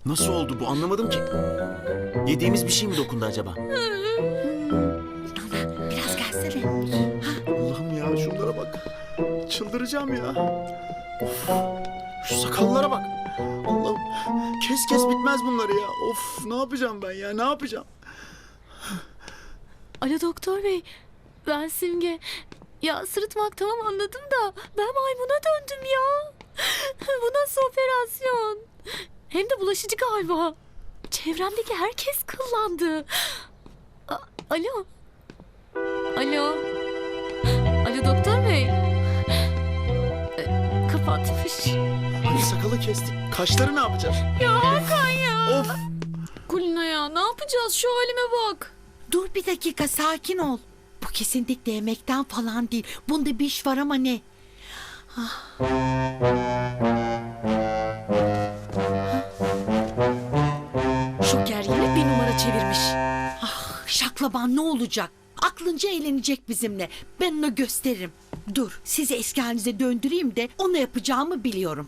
Nasıl oldu bu anlamadım ki. Yediğimiz bir şey mi dokundu acaba? Biraz gelsene. Allah'ım ya şunlara bak. Çıldıracağım ya. Of, şu sakallara bak. Allah'ım kes kes bitmez bunları ya. Of ne yapacağım ben ya ne yapacağım? Alo doktor bey, ben Simge. Ya sırıtmak tamam anladım da ben maymuna döndüm ya. Bu nasıl operasyon? Hem de bulaşıcı galiba. Çevremdeki herkes kıllandı. Alo. Alo. Alo doktor bey. Kapatmış. Hani sakalı kestik. Kaşları ne yapacağız? Ya Hakan ya. Of. Kulina ya ne yapacağız şu halime bak. Dur bir dakika, sakin ol. Bu kesinlikle yemekten falan değil. Bunda bir iş var ama ne? Şoker yine bir numara çevirmiş. Şaklaban ne olacak? Aklınca eğlenecek bizimle. Ben onu gösteririm. Dur, sizi eski halinize döndüreyim de onu yapacağımı biliyorum.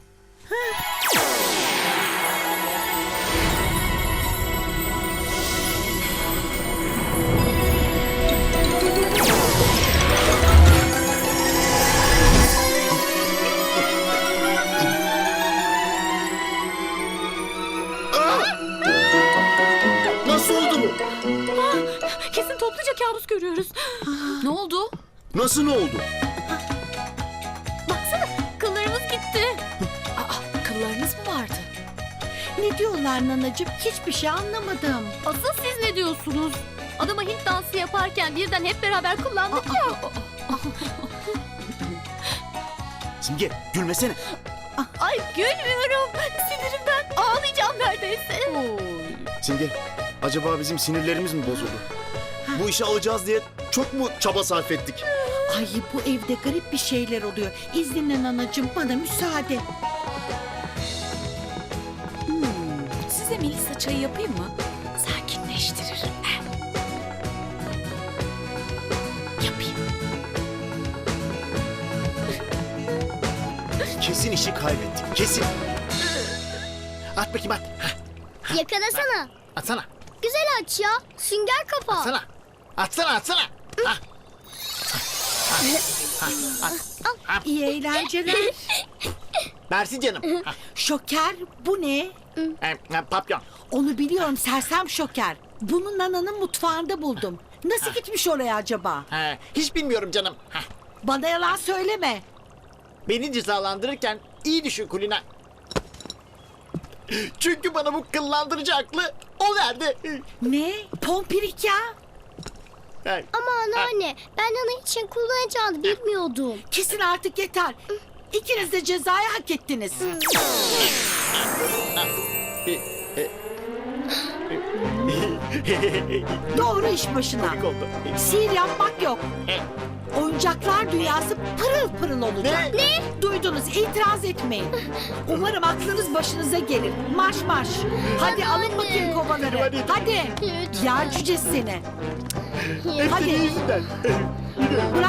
Nasıl oldu bu? Kesin topluca kabus görüyoruz. Ne oldu? Nasıl ne oldu? Baksana kıllarımız gitti. Kıllarınız mı vardı? Ne diyorlar nanacığım? Hiçbir şey anlamadım. Asıl siz ne diyorsunuz? Adama Hint dansı yaparken birden hep beraber kullandık ya. Simge gülmesene. Ay gülmüyorum. Sinirimden ağlayacağım neredeyse. Simge acaba bizim sinirlerimiz mi bozuldu? Bu işi alacağız diye çok mu çaba sarf ettik? Ay, bu evde garip bir şeyler oluyor. İzninle nanacığım, bana müsaade. Size Melisa çayı yapayım mı? Sakinleştirir. Yapayım. Kesin işi kaybettik. Kesin. At bakayım at. Yakalasana. Atsana. Güzel aç ya. Sünger kafa. Atsana. Atsana atsana. İyi eğlenceler. Mersi canım. Şoker, bu ne? Papyon. Onu biliyorum, sersem Şoker. Bunu nananın mutfağında buldum. Nasıl gitmiş oraya acaba? Hiç bilmiyorum canım. Bana yalan söyleme. Beni cezalandırırken iyi düşün Kulina. Çünkü bana bu kıllandırıcı aklı o verdi. Ne? Pompirik ya. Ama anneanne ben onun için kullanacağını bilmiyordum. Kesin artık yeter. İkiniz de cezayı hak ettiniz. Doğru iş başına. Komik oldu. Sihir yapmak yok. Oyuncaklar dünyası pırıl pırıl olacak. Ne? Duydunuz, itiraz etmeyin. Umarım aklınız başınıza gelir. Marş marş. Hadi alın Anne. bakayım kovaları. Hadi. Hadi. Lütfen. Yer cücesi seni. Hadi. Hadi. Yüzünden. Bırak